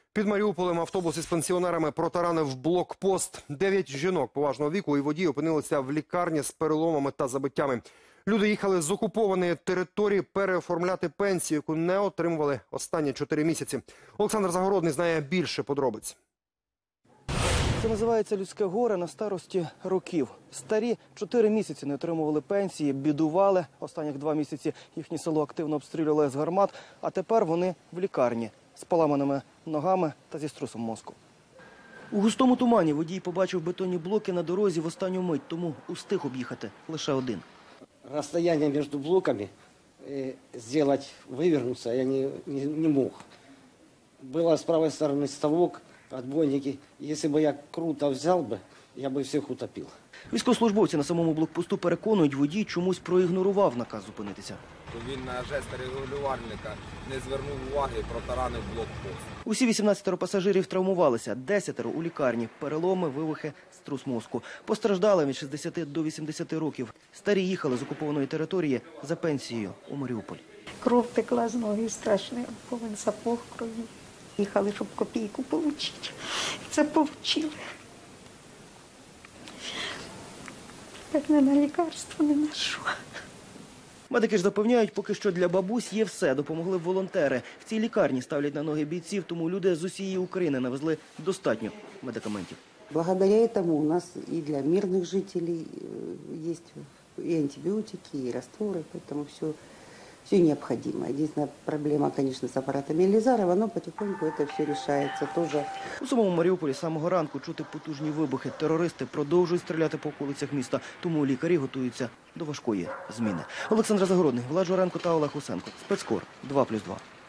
Під Маріуполем автобус із пенсіонерами протаранив блокпост. 9 жінок поважного віку і водій опинилися в лікарні з переломами та забиттями. Люди їхали з окупованої території переоформляти пенсію, яку не отримували останні 4 місяці. Олександр Загородний знає більше подробиць. Це називається людське горе на старості років. Старі 4 місяці не отримували пенсії, бідували. Останніх 2 місяці їхнє село активно обстрілювали з гармат, а тепер вони в лікарні з поламаними ногами та зі струсом мозку. У густому тумані водій побачив бетонні блоки на дорозі в останню мить, тому устиг об'їхати лише один. Расстояние между блоками сделать, вывернуться я не мог. Было с правой стороны ставок, отбойники. Если бы я круто взял бы, я бы всех утопил. Військовослужбовці на самому блокпосту переконують, водій чомусь проігнорував наказ зупинитися. Він на жести регулювальника не звернув уваги і протаранив блокпост. Усі 18 пасажирів травмувалися, 10 у лікарні, переломи, вивихи, струс мозку. Постраждали від 60 до 80 років. Старі їхали з окупованої території за пенсією у Маріуполь. Кров текла з ноги страшно, повен сапог крові. Їхали, щоб копійку отримати. Це отримали. Так не на лікарство, не на що. Медики ж запевняють, поки що для бабусь є все. Допомогли волонтери. В цій лікарні ставлять на ноги бійців, тому люди з усієї України навезли достатньо медикаментів. Благодаря этому у нас и для мирных жителей есть и антибиотики, и растворы, поэтому все необходимо. Единственная проблема, конечно, с аппаратами Елизарова, но потихоньку это все решается тоже. У самому Маріуполі з самого ранку чути потужні вибухи. Терористи продовжують стріляти по околицях міста, тому лікарі готуються до важкої зміни. Олександр Загородний, Влад Журенко та Олег Усенко. Спецкор 2+2.